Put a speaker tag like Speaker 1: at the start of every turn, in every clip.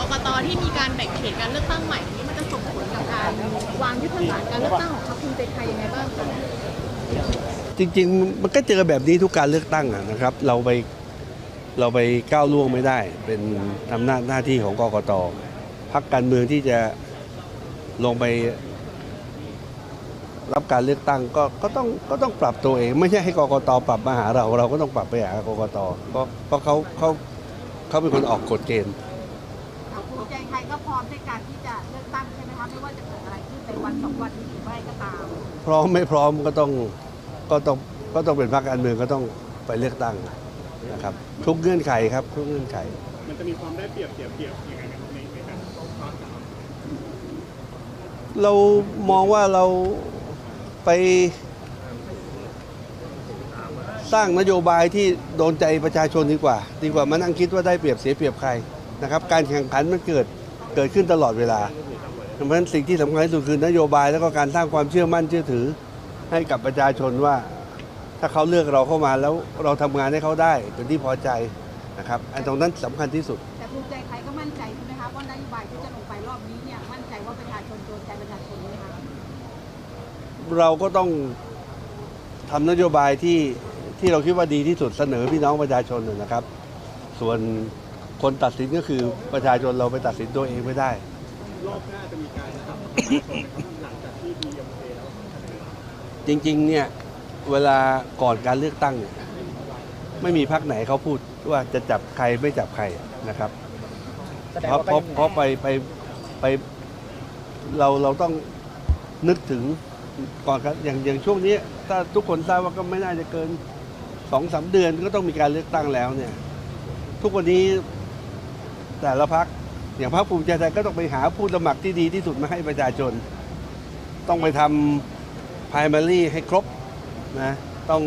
Speaker 1: กต.ที่มีการแบ่งเขตการเลือกตั้งใหม่นี้มันจะส่งผลกับการวางยุทธศาสตร์การเลือกตั้งของพรรคภูมิใจไทยยังไงบ้างคะ
Speaker 2: จริงๆมันก็เจอแบบนี้ทุกการเลือกตั้งนะครับเราไปก้าวล่วงไม่ได้เป็นอำนาจหน้าที่ของกกต.พรรคการเมืองที่จะลงไปรับการเลือกตั้งก็ต้องปรับตัวเองไม่ใช่ให้กกต.ปรับมาหาเราก็ต้องปรับไปหากกต.เพราะเขาเป็นคนออกกฎเกณฑ์
Speaker 3: ภูมิใจไทยก็พร้อมในการที่จะเลือกตั้งใช่ไหมคะไม่ว่าจะเกิดอะไรขึ้นในวันสองวันนี้หรือไม่ก็ตาม
Speaker 2: พร้อมไม่พร้อมก็ต้องเป็นพรรคการเมืองก็ต้องไปเลือกตั้งนะครับทุกเงื่อนไขครับทุกเงื่อนไข
Speaker 4: มันจะมีความได้เปรียบเสียเปรียบยังไงในการ
Speaker 2: เรามองว่าเราไปสร้างนโยบายที่โดนใจประชาชนดีกว่ามานั่งคิดว่าได้เปรียบเสียเปรียบใครนะครับการแข่งขันมันเกิดขึ้นตลอดเวลาเพราะฉะนั้นสิ่งที่สำคัญที่สุดคือนโยบายแล้วก็การสร้างความเชื่อมั่นเชื่อถือให้กับประชาชนว่าถ้าเขาเลือกเราเข้ามาแล้วเราทำงานให้เขาได้เป็นที่พอใจนะครับอันตรงนั้นสำคัญที่สุด
Speaker 3: แต่ภูมิใจไทยก็มั่นใจใช่ไหมคะว่านโยบายที่จะลงไปรอบนี้เนี่ยมั่นใจว่าประชาชนโดนใจประชาชนไหมคะ
Speaker 2: เราก็ต้องทำนโยบายที่เราคิดว่าดีที่สุดเสนอพี่น้องประชาชนนะครับส่วนคนตัดสินก็คือประชาชนเราไปตัดสินตัวเองไม่ได้
Speaker 4: รอบหน้าจะมีการนะครับหลังจากที่ดีเอ็มเคแล้ว
Speaker 2: จริงๆเนี่ยเวลาก่อนการเลือกตั้งเนี่ยไม่มีพรรคไหนเขาพูดว่าจะจับใครไม่จับใครนะครับเพราะไปเราต้องนึกถึงก่อนอย่างช่วงนี้ถ้าทุกคนทราบว่าก็ไม่น่าจะเกิน 2-3 เดือนก็ต้องมีการเลือกตั้งแล้วเนี่ยทุกวันนี้แต่ละพรรคอย่างพรรคภูมิใจไทยก็ต้องไปหาผู้สมัครที่ดีที่สุดมาให้ประชาชนต้องไปทำ primary ให้ครบนะต้อง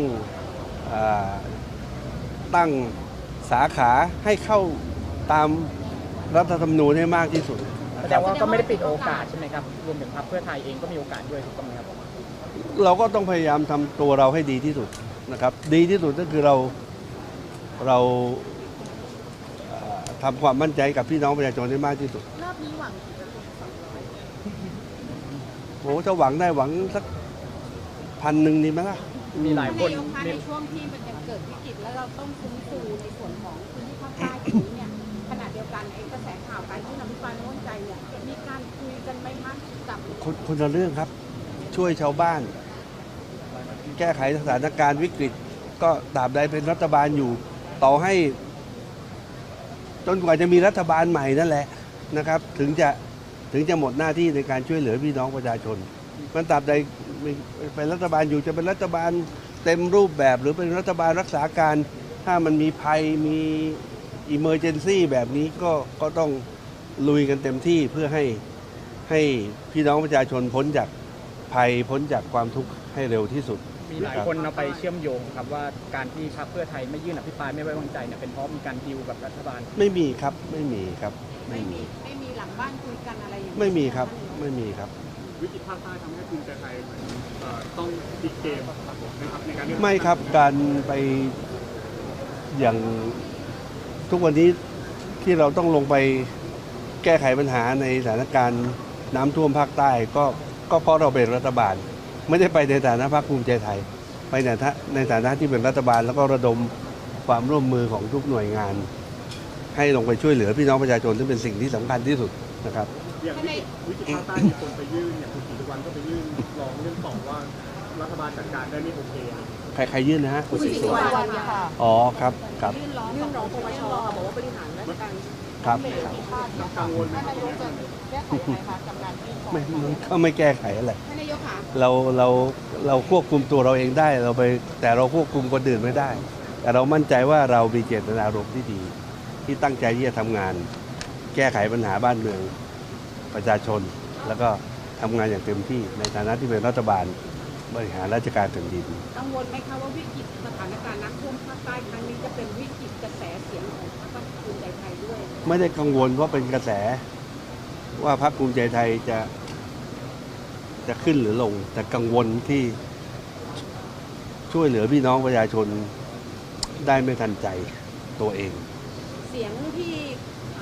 Speaker 2: ตั้งสาขาให้เข้าตามรัฐธรรมนูญให้มากที่สุด
Speaker 5: แสดงว่าก็ไม่ได้ปิดโอกาสใช่ไหมครับรวมถึงพรรคเพื่อไทยเองก็มีโอกาสด้วยถูกต้องไหมครับ
Speaker 2: เราก็ต้องพยายามทำตัวเราให้ดีที่สุดนะครับดีที่สุดก็คือเราทำความมั่นใจกับพี่น้องประชาชนได้มากที่สุด
Speaker 1: รอบนี้หวังกี่เปอร์เซ็นต์
Speaker 2: โอ้ถ้าหวังได้หวังสัก1,000ดีไหมล่ะ
Speaker 5: มีหลายคน
Speaker 3: ในช่วงที่มันจะเกิดวิกฤตแล้วเราต้องฟื้นฟูในส่วนของพื้นที่ภาคใต้ตรงนี้เนี่ยขณะเดียวกันไอ้กระแสข่าวการที่นำพิพายไม่ไว้วางใจเนี่ยมีการคุยกันไหมคะกับ
Speaker 2: คนละเรื่องครับช่วยชาวบ้านแก้ไขสถานการณ์วิกฤตก็ตราบใดเป็นรัฐบาลอยู่ต่อให้จนกว่าจะมีรัฐบาลใหม่นั่นแหละนะครับถึงจะหมดหน้าที่ในการช่วยเหลือพี่น้องประชาชนมันตราบใดเป็นรัฐบาลอยู่จะเป็นรัฐบาลเต็มรูปแบบหรือเป็นรัฐบาลรักษาการถ้ามันมีภัยมีอิเมอร์เจนซี่แบบนี้ก็ต้องลุยกันเต็มที่เพื่อให้พี่น้องประชาชนพ้นจากภัยพ้นจากความทุกข์ให้เร็วที่สุด
Speaker 5: มีหลายคนเอาไปเชื่อมโยงครับว่าการที่พรรคเพื่อไทยไม่ยื่นอภิปรายไม่ไว้วางใจเนี่ยเป็นเพราะมีการดีลกับรัฐบาล
Speaker 2: ไม่มีครับไม่มี
Speaker 3: หลังบ้านคุยกันอะไรอย่างนี้
Speaker 2: ไม่มีครับไม่มีครับ
Speaker 4: วิกฤตภาคใต้ทำให้ภูมิใจไทยต้องติดเกมนะครับในการ
Speaker 2: ไม่ครับการไปอย่างทุกวันนี้ที่เราต้องลงไปแก้ไขปัญหาในสถานการณ์น้ำท่วมภาคใต้ก็เพราะเราเป็นรัฐบาลไม่ได้ไปในฐานะพรรคภูมิใจไทยไปในฐานะที่เป็นรัฐบาลแล้วก็ระดมความร่วมมือของทุกหน่วยงานให้ลงไปช่วยเหลือพี่น้องประชาชนซึ่งเป็นสิ่งที่สำคัญที่สุดนะครับ
Speaker 4: อย่างวิกฤตภาคใต้มีคนไปยื่นอย่างคุณศรีสุวรรณก็ไปยื่นร้องเรื่องต่อว่ารัฐบาลจัดการได้ไม่โอเค
Speaker 2: ใครยื่นนะฮะ
Speaker 3: คุณศรีสุวรรณค่ะ
Speaker 2: อ๋อครับ
Speaker 3: ยื่นร้องปปชบอกว่าบริหารราชการ
Speaker 2: ครับ
Speaker 4: กังวลไหม
Speaker 3: นายกจะแก้ไขไหมคะกับการที่
Speaker 2: เขาไม่แก้ไขอะไร
Speaker 3: นายกค่ะ
Speaker 2: เราควบคุมตัวเราเองได้แต่เราควบคุมคนอื่นไม่ได้แต่เรามั่นใจว่าเรามีเจตนารมณ์ที่ดีที่ตั้งใจที่จะทำงานแก้ไขปัญหาบ้านเมืองประชาชนแล้วก็ทำงานอย่างเต็มที่ในฐานะที่เป็นรัฐบาลบริหารราชการแผ่นดิน
Speaker 3: กังวลไหมคะว่าวิกฤตสถานการณ์น้ำท่วมภาคใต้ครั้งนี้จะเป็นวิกฤตกระแสเสียงของพรรคภูมิใจไทยด้วย
Speaker 2: ไม่ได้กังวลว่าเป็นกระแสว่าพรรคภูมิใจไทยจะขึ้นหรือลงแต่กังวลที่ช่วยเหลือพี่น้องประชาชนได้ไม่ทันใจตัวเอง
Speaker 3: เสียงที่เหมือน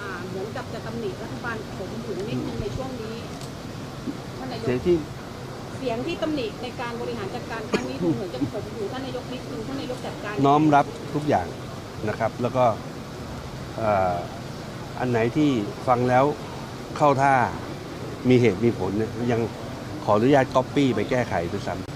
Speaker 3: กับจะตำหนิรัฐบาลผมถึงนิดนึงในช่วงนี้ท่านนายก
Speaker 2: เสียที่
Speaker 3: เสียงที่ตำหนิในการบริหารจัดการครั้งนี้ดูเหมือนจะผมอยู่ท่านนายกนิดนึงท่านนายกจัดการ
Speaker 2: น้อมรับทุกอย่างนะครับ แล้วก็อันไหนที่ฟังแล้วเข้าท่ามีเหตุมีผลเนี่ยยังขออนุญาตก๊อปปี้ไปแก้ไขด้วยซ้ำ